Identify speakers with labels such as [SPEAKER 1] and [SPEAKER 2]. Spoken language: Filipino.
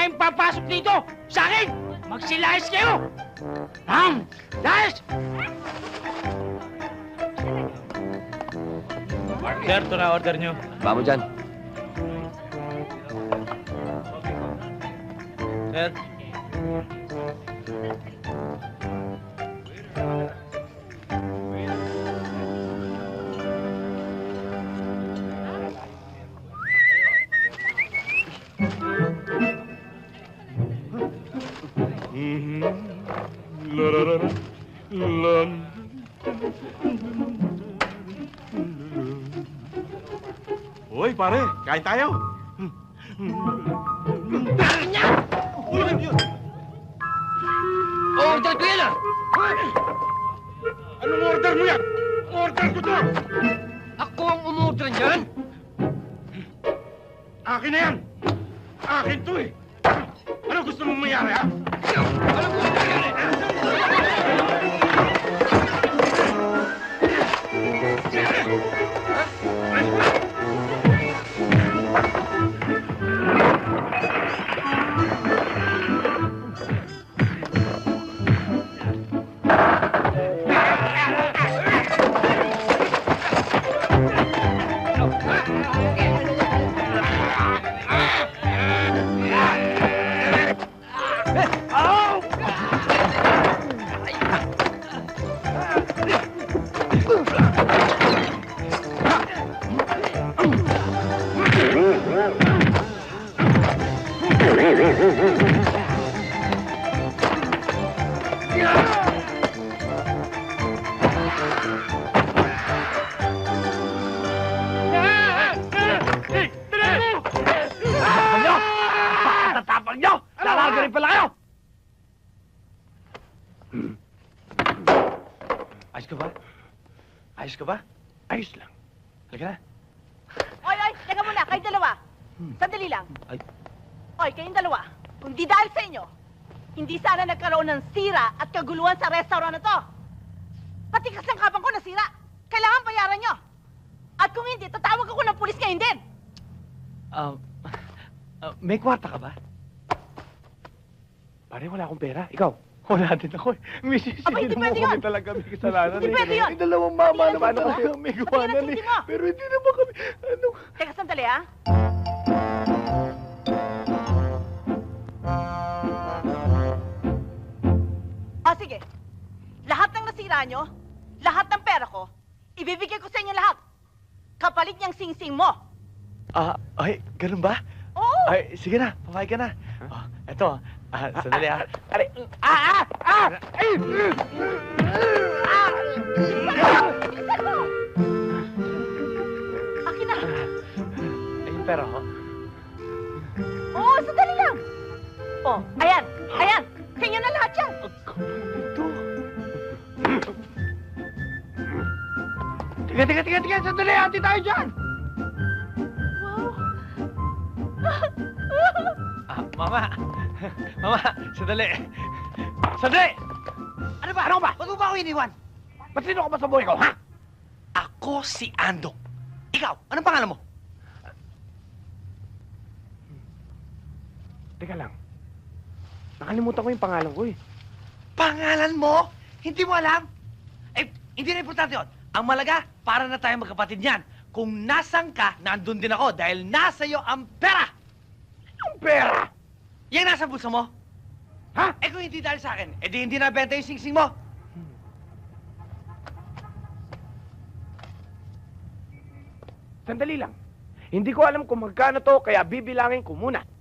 [SPEAKER 1] kayong papasok dito! Sa akin! Magsilayas kayo! Layas!
[SPEAKER 2] Sir, ito na order nyo.
[SPEAKER 3] Vamos dyan.
[SPEAKER 2] Sir.
[SPEAKER 4] Hoy, pare, kain tayo.
[SPEAKER 1] Order ko yan ah!
[SPEAKER 4] Anong order mo yan? Order ko to!
[SPEAKER 1] Ako ang umorder niyan!
[SPEAKER 4] Akin na yan! Akin to eh! Ano gusto mong mayari, ha?
[SPEAKER 1] Ano gusto nangyari?
[SPEAKER 4] Tatapang nyo! Lalaga rin pala kayo! Ayos ka ba? Ayos ka ba? Ayos lang. Halika na.
[SPEAKER 5] Oy, teka muna, kayong dalawa. Sandali lang.
[SPEAKER 3] Ay.
[SPEAKER 5] Oy, kayong dalawa. Kung di dahil sa inyo, hindi sana nagkaroon ng sira at kaguluhan sa restaurant na to. Pati kasangkapan ko nasira. Kailangan bayaran nyo. At kung hindi, tatawag ako ng pulis ngayon din.
[SPEAKER 4] May kwarta ka ba? Pare, wala akong pera. Ikaw? Wala din ako eh. Mrs.
[SPEAKER 5] Aba, hindi
[SPEAKER 4] Hindi mo
[SPEAKER 5] pwede
[SPEAKER 4] kami
[SPEAKER 5] yun.
[SPEAKER 4] talaga may kasalanan.
[SPEAKER 5] Hindi pwede yun.
[SPEAKER 4] May dalawang mama
[SPEAKER 5] Hindi
[SPEAKER 4] naman
[SPEAKER 5] yan
[SPEAKER 4] kasi
[SPEAKER 5] totoo.
[SPEAKER 4] may
[SPEAKER 5] Hindi
[SPEAKER 4] gawanan
[SPEAKER 5] yan
[SPEAKER 4] eh.
[SPEAKER 5] totoo.
[SPEAKER 4] Pero hindi naman kami, ano...
[SPEAKER 5] Teka, sandali ha. O sige, lahat ng nasira nyo, lahat ng pera ko, ibibigay ko sa inyo lahat. Kapalit niyang sing-sing mo.
[SPEAKER 4] Ay, ganun ba?
[SPEAKER 5] Oo!
[SPEAKER 4] Ay, sige na, papayag ka na. Oh, eto, sandali ah. Aray, Ay!
[SPEAKER 5] Bilisan mo! Akin na!
[SPEAKER 4] Ay, yung pera ko.
[SPEAKER 5] Oo, sandali lang! Oh, ayan! Ayan! Sa inyo na lahat yan!
[SPEAKER 4] Ito. Tiga, sandali, hati tayo dyan!
[SPEAKER 5] Wow!
[SPEAKER 4] Mama! Mama, sandali! Sandali!
[SPEAKER 1] Ano ba? Ano ba? Ba't mo ba ako iniwan?
[SPEAKER 4] Ba't sino ka ba sa buhay ko, ha?
[SPEAKER 1] Ako si Andong. Ikaw, anong pangalan mo?
[SPEAKER 4] Teka lang. Nakalimutan ko yung pangalan ko eh.
[SPEAKER 1] Pangalan mo? Hindi mo alam? Eh, hindi na importante yun. Ang malaga, para na tayo magkapatid niyan. Kung nasan ka, nandun din ako dahil nasa iyo ang pera!
[SPEAKER 4] Ang pera!
[SPEAKER 1] Yan nasa bulsa mo?
[SPEAKER 4] Ha?
[SPEAKER 1] Eh kung hindi dahil sa akin, eh di hindi nabenta yung sing-sing mo.
[SPEAKER 4] Sandali lang. Hindi ko alam kung magkano to, kaya bibilangin ko muna.